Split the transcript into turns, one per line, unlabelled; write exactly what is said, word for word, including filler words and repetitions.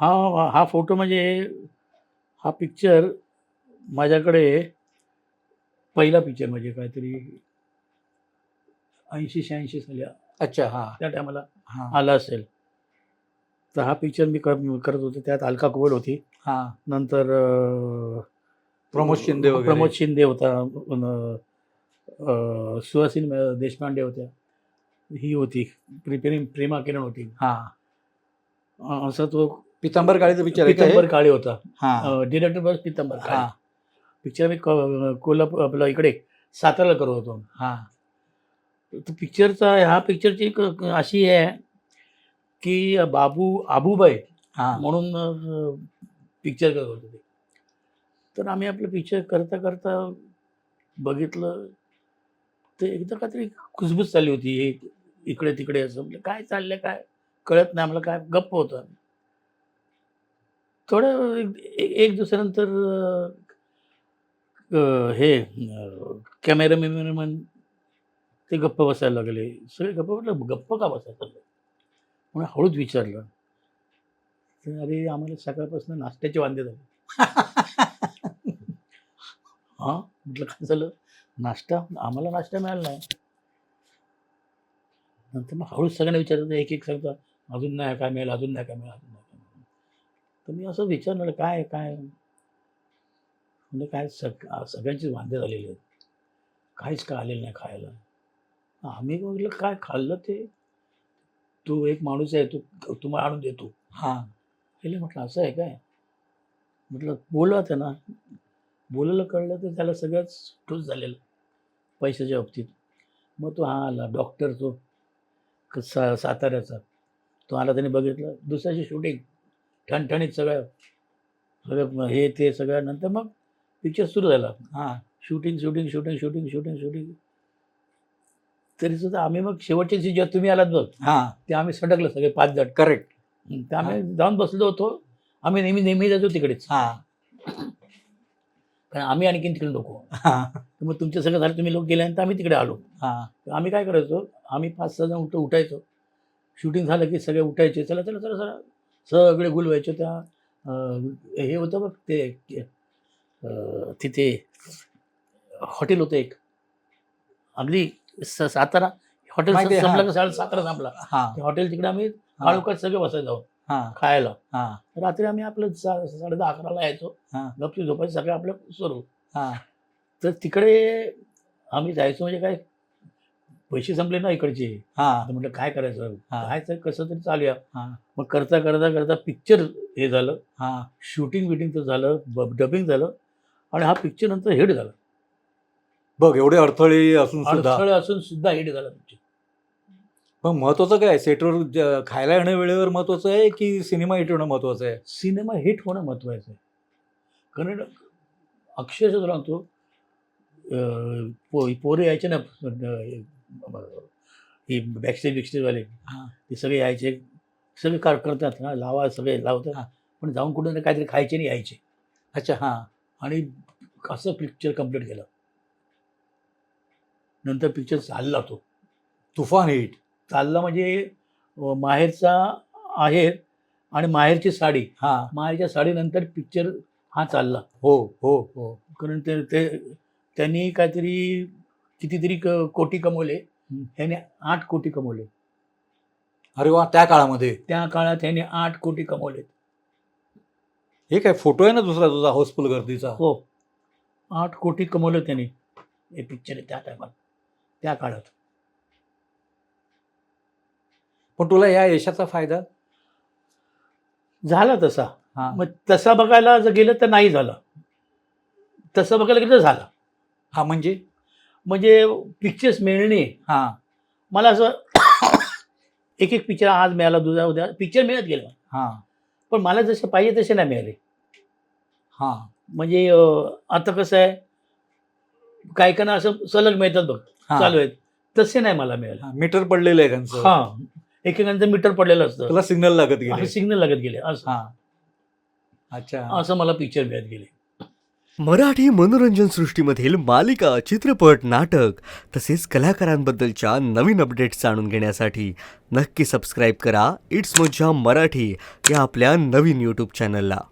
हा हा फोटो म्हणजे हा पिक्चर माझ्याकडे पहिला पिक्चर म्हणजे काहीतरी ऐंशी शहाऐंशी साली
अच्छा हां
त्या टायमाला
हां
आला असेल. तर हा पिक्चर मी कर करत होतो. त्यात अलका कुबल होती.
हां
नंतर अं,
प्रमोद शिंदे वगैरे.
प्रमोद शिंदे होता. अं, अं, सुहासिनी देशपांडे होत्या. ही होती प्रिपेरिंग प्रेमा किरण होती.
हां
अं, असा तो
पितांबर काळेचा पिक्चर आहे का हे?
पितांबर काळे होता.
हां
डिरेक्टर बस पितांबर काळे.
हां
पिक्चर मी को- कोल्हापूर आपला इकडे साताराला करत होतो.
हां
तर पिक्चरचा ह्या पिक्चरची एक अशी आहे की बाबू आबूबाई
हां
म्हणून पिक्चर करत होते ते. तर आम्ही आपलं पिक्चर करता करता बघितलं ते एकदा काहीतरी खुसबुस चालली होती. हे इकडे तिकडे असं म्हणजे काय चाललंय काय कळत नाही आम्हाला. काय गप्प होतं. थोडं एक एक दिवसानंतर अं, हे कॅमेरामॅन ते गप्प बसायला लागले. सगळे गप्प. म्हटलं गप्प का बसायचं म्हणून हळूच विचारलं. तर अरे आम्हाला सकाळपासून नाश्त्याचे वांदे झाले. हां म्हटलं काय झालं. नाश्ता आम्हाला नाश्ता मिळाला नाही. नंतर मग हळूच सगळ्यांना विचारलं. एक एक सांगता अजून नाही काय मिळेल अजून नाही काय मिळेल अजून नाही काय मिळेल. तर मी असं विचारलं काय काय म्हणजे काय सग सगळ्यांचीच वांदे झालेले आहेत. काहीच काय आलेलं नाही खायला. आम्ही म्हटलं काय खाल्लं ते तू एक माणूस आहे तू तुम्हाला आणून देतो.
हां
पहिले म्हटलं असं आहे काय. म्हटलं बोलवा त्यांना. बोलायला कळलं तर त्याला सगळंच ठोस झालेलं पैशाच्या बाबतीत. मग तो हा आला डॉक्टर तो क- सा साताऱ्याचा. तो आला त्याने बघितलं. दुसऱ्याची शूटिंग ठणठणीत सगळं सगळं हे ते सगळं. नंतर मग पिक्चर सुरू झाला.
हां
shooting shooting shooting shooting shooting shooting तरी सुद्धा आम्ही मग शेवटच्या दिवशी जेव्हा तुम्ही आलात बघ
हां
ते आम्ही सटकलं सगळे पाच जण.
करेक्ट.
तर आम्ही जाऊन बसलो होतो. आम्ही नेहमी नेहमी जातो तिकडेच
हां
कारण आम्ही आणखीन तिकडे नको.
हां
तर मग तुमचं सगळं झालं तुम्ही लोक गेल्यानंतर आम्ही तिकडे आलो.
हां
तर आम्ही काय करायचो आम्ही पाच सहा जण उठ उठायचो. शूटिंग झालं की सगळे उठायचे. चला चला चला चला सगळे गुल व्हायचे. त्या अं, हे होतं बघ ते अं, तिथे हॉटेल होतं एक अगदी स सातारा हॉटेल
माहिती आहे,
संपलं
हां.
का साडे सातारा संपला.
हां
ते हॉटेल तिकडे आम्ही काळोखात सगळे बसायचो
हां
खायला.
हां
रात्री आम्ही आपलं सा साडे दहा अकराला यायचो.
हां
गपची झोपायचं सगळं आपलं सुरू.
हां
तर तिकडे आम्ही जायचो म्हणजे काय पैसे संपले ना इकडचे.
हां
तर म्हटलं काय करायचं
हां.
काय तर कसं तरी चालूया.
हां
मग करता करता करता पिक्चर हे झालं.
हां
शूटिंग बिटिंगचं झालं डबिंग झालं आणि हा पिक्चर नंतर हिट झाला.
बघ एवढे अडथळे असून सुद्धा.
अडथळे असून सुद्धा हिट झाला पिक्चर.
पण महत्वाचं काय सेटवर ज- खायला येणं वेळेवर महत्वाचं आहे की सिनेमा हिट होणं महत्वाचं आहे?
सिनेमा हिट होणं महत्त्वाचं आहे. कारण अक्षरशः तुला सांगतो अं, पो पोरे यायचे ना अं, ही बॅकस्टेज बिकस्टेजवाले
हां
ते सगळे यायचे. सगळे कार करतात ना लावा सगळे लावतात.
हां.
पण जाऊन कुठे ना काहीतरी खायचे नाही यायचे.
अच्छा हां
आणि असं पिक्चर कम्प्लीट केलं. नंतर पिक्चर चालला तो.
तुफान हिट.
चालला म्हणजे अं, माहेरचा आहेर आणि माहेरची साडी.
हां
माहेरच्या साडीनंतर पिक्चर हा चालला.
हो हो हो
कारण ते ते त्यांनी काहीतरी कितीतरी क कोटी कमवले.
हं.
ह्याने आठ कोटी कमवले.
अरे वा त्या काळामध्ये.
त्या काळात ह्याने आठ कोटी कमवले.
हे काय फोटो आहे ना दुसरा तुझा हाऊसफुल गर्दीचा.
हो आठ कोटी कमवले त्याने हे पिक्चर त्या टायमात त्या काळात.
पण तुला या यशाचा फायदा.
झाला तसा.
हां
मग तसा बघायला जर गेलं तर नाही झालं. तसं बघायला गेलं तर झाला.
हा म्हणजे
म्हणजे पिक्चर्स मिळणे
हां
मला असं एक एक पिक्चर आज मिळाला दुसरा उद्या पिक्चर मिळत गेलं.
हां
पण मला जसे पाहिजे तसे नाही मिळाले.
हां
म्हणजे अं, आता कसं आहे काही काहींना असं सलग मिळतात बघ
हां.
चालू आहेत. तसे नाही मला मिळाले.
हां, मीटर पडलेलं आहे त्यांचं.
हां एकेकांचं मीटर पडलेलं असतं.
तुला सिग्नल लागत गेले.
सिग्नल लागत गेले असं
हां अच्छा
असं मला पिक्चर मिळत गेले.
मराठी मनोरंजन सृष्टीमधील मालिका, चित्रपट, नाटक तसेच कलाकारांबद्दलच्या नवीन अपडेट्स जाणून घेण्यासाठी नक्की सबस्क्राईब करा इट्स मज्जा मराठी या आपल्या नवीन यूट्यूब चॅनलला.